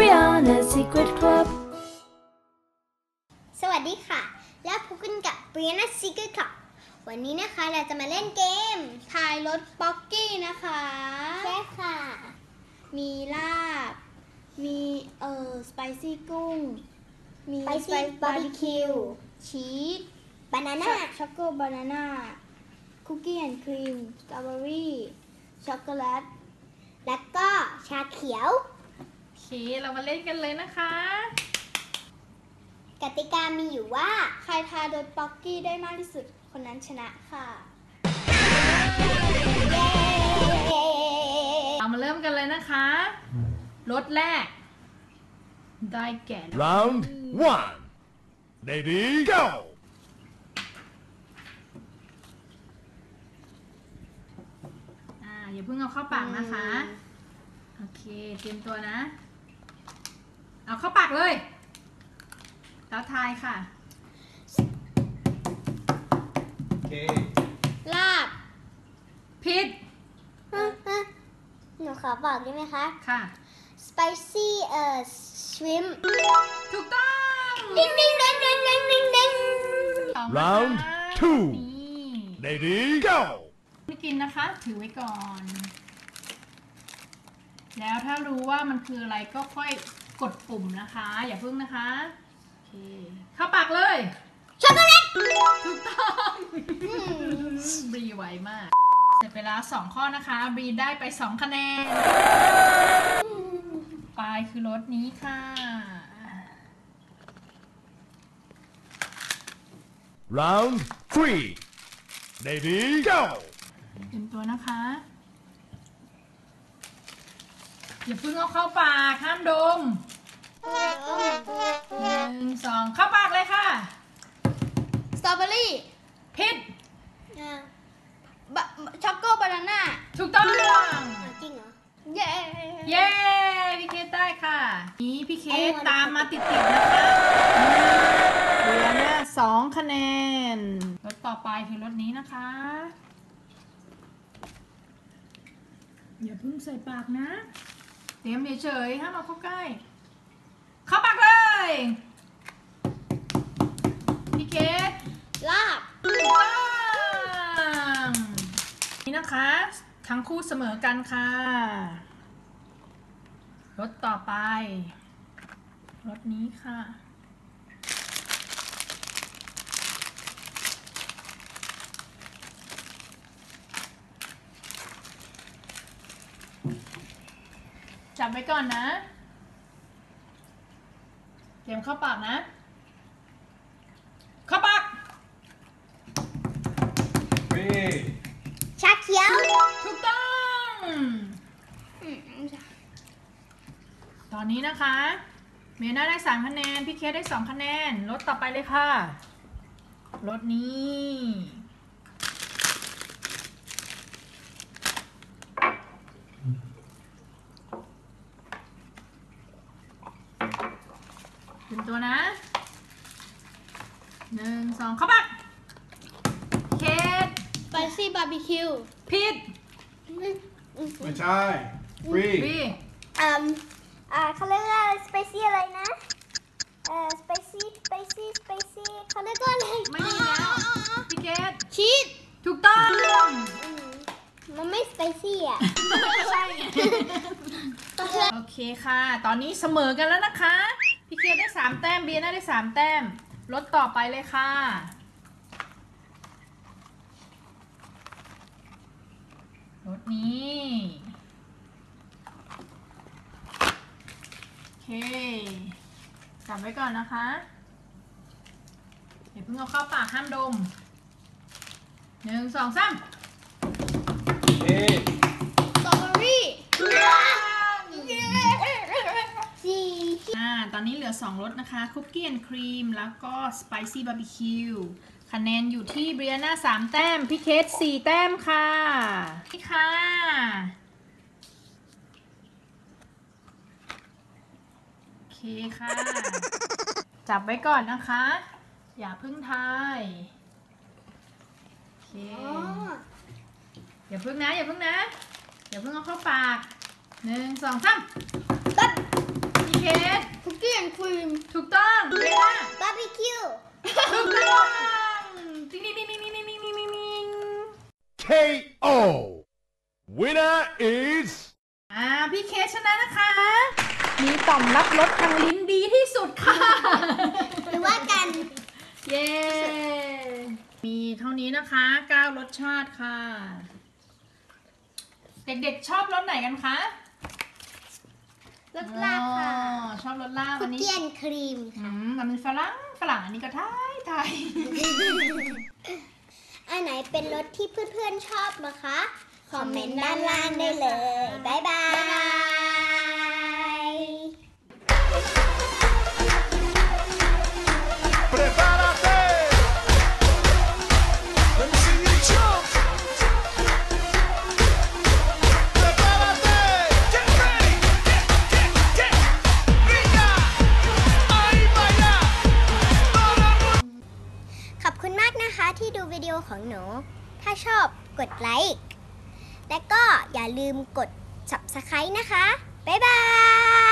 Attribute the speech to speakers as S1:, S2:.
S1: Brianna's Secret Club
S2: สวัสดีค่ะแล้วพบกันกับ Brianna's Secret Club วันนี้นะคะเราจะมาเล่นเกมทายรสป๊อกกี้นะคะใช่ค่ะมีลาบมีสไปซี่กุ้งมีสไปซ์บาร์บีคิวชีสบานาน่าช็อกโกบานาน่าคุกกี้แอนด์ครีมสตรอเบอรี่ช็อกโกแลตแล้วก็ชาเขียว
S3: โอเคเรามาเล่นกันเลยนะคะ
S2: กติกามีอยู่ว่าใครทายรสป๊อกกี้ได้มากที่สุดคนนั้นชนะค่ะ
S3: เรามาเริ่มกันเลยนะคะรถแรกได้แก่
S4: Round 1 Ready go
S3: อย่าเพิ่งเอาเข้าปากนะคะโอเคเตรียมตัวนะเอาเข้าปากเลยแล้วทายค่ะ
S2: ลาบ
S3: ผิด
S2: หนูขอบอกได้ไหมคะ
S3: ค่ะ
S2: spicy shrimp
S3: ถูกต้อง
S2: ดิ้งดิ้งดิ้งดิ้งดิ้งดิ้งดิ้ง
S3: สอง
S4: Round
S3: นะคะ
S4: 2
S3: นี่
S4: Ready go
S3: ไม่กินนะคะถือไว้ก่อน แล้วถ้ารู้ว่ามันคืออะไรก็ค่อยกดปุ่มนะคะอย่าเพิ่งนะคะโอเคเข้าปากเลย
S2: ช็อกโกแลต
S3: ถูกต้องบรีไวมากเสร็จไปแล้ว2ข้อนะคะบรีได้ไป2คะแนนปลายคือรถนี้ค่ะ
S4: Round 3 Ready go
S3: เตรียมตัวนะคะอย่าเพิ่งเอาเข้าปากห้ามดม1 2เข้าปากเลยค่ะ
S2: สตรอเบอรี่
S3: ผิด
S2: ช็อกโกบานาน่า
S3: ถูกต้อง
S2: จริงเหรอเย้
S3: เย้พี่เคสได้ค่ะนี้พี่เคสตามมาติดๆนะคะเหลือเนี่ย2คะแนนรถต่อไปคือรถนี้นะคะอย่าเพิ่งใส่ปากนะเตรียมเฉยๆห้ามเอาเข้าใกล้เข้าปากเลยพี่เคส
S2: ลาบ
S3: ถูกต้องนี่นะคะทั้งคู่เสมอกันค่ะรถต่อไปรถนี้ค่ะจับไว้ก่อนนะเตรียมเข้าปากนะเข้าปาก
S2: ชาเขียว
S3: ถูกต้อง ตอนนี้นะคะเมน่าได้3คะแนนพี่เคสได้2คะแนนรถต่อไปเลยค่ะรถนี้เป็นตัวนะ1 2เข้าปากเคส
S2: สไปซี่บาร์บีคิว
S3: ผิด
S4: ไม่ใช่ฟรี
S3: บี
S2: เขาเรียกว่าสไปซี่อะไรนะสไปซี่เขาเรียกว่าอะไร
S3: ไม่มีแล้วพี่เคส
S2: ชีส
S3: ถูกต้อง
S2: มันไม่สไปซี่อ่ะ
S3: ใช่โอเคค่ะ ตอนนี้เสมอกันแล้วนะคะ พี่เคได้3แต้มเบียร์น่าได้3แต้มรถต่อไปเลยค่ะรถนี้โอเคจับไว้ก่อนนะคะเดี๋ยวเพิ่งเอาเข้าปากห้ามดม1 2 3
S2: สตรอเบอรี่สี่
S3: ตอนนี้เหลือ2รสนะคะคุกกี้แอนด์ครีมแล้วก็สไปซี่บาร์บีคิวคะแนนอยู่ที่เบรียนา3แต้มพี่เคส4แต้มค่ะนี่ค่ะโอเคค่ะจับไว้ก่อนนะคะอย่าเพิ่งทายโอเคอย่าเพิ่งนะอย่าเพิ่งเอาเข้าปาก1 2 3 พี่เคส
S2: ครีม
S3: ถูกต้องเวลา
S2: บาร์บีคิว
S3: ถูกต้องติ๊งติ๊งติ๊งติ๊งติ๊งติ๊งติ๊งติ๊งติ๊ง
S4: KO. Winner is
S3: พี่เคสชนะนะคะ มีต่อมรับรสทางลิ้นดีที่สุดค่ะ
S2: หรือว่ากัน
S3: เย้ มีเท่านี้นะคะ9รสชาติค่ะ เด็กๆชอบรสไหนกันคะ
S2: รสลาบค่ะ
S3: อ๋อชอบรสลาบ
S2: คุ
S3: อั
S2: ก
S3: นนี้
S2: เกี้ยนครีม
S3: มันเป็นฝรั่งอันนี้ก็ไทย
S2: อันไหนเป็นรสที่เพื่อนๆชอบนะคะ คอมเมนต์ด้านล่างได้เลย บ๊ายบาย
S4: Prepárate. Let me see you jump. Prepárate. Get ready. Get. Venga. Ahí vaya. Todo el mundo.
S2: ขอบคุณมากนะคะที่ดูวิดีโอของหนู ถ้าชอบกดไลค์ และก็อย่าลืมกด Subscribe นะคะ บ๊ายบาย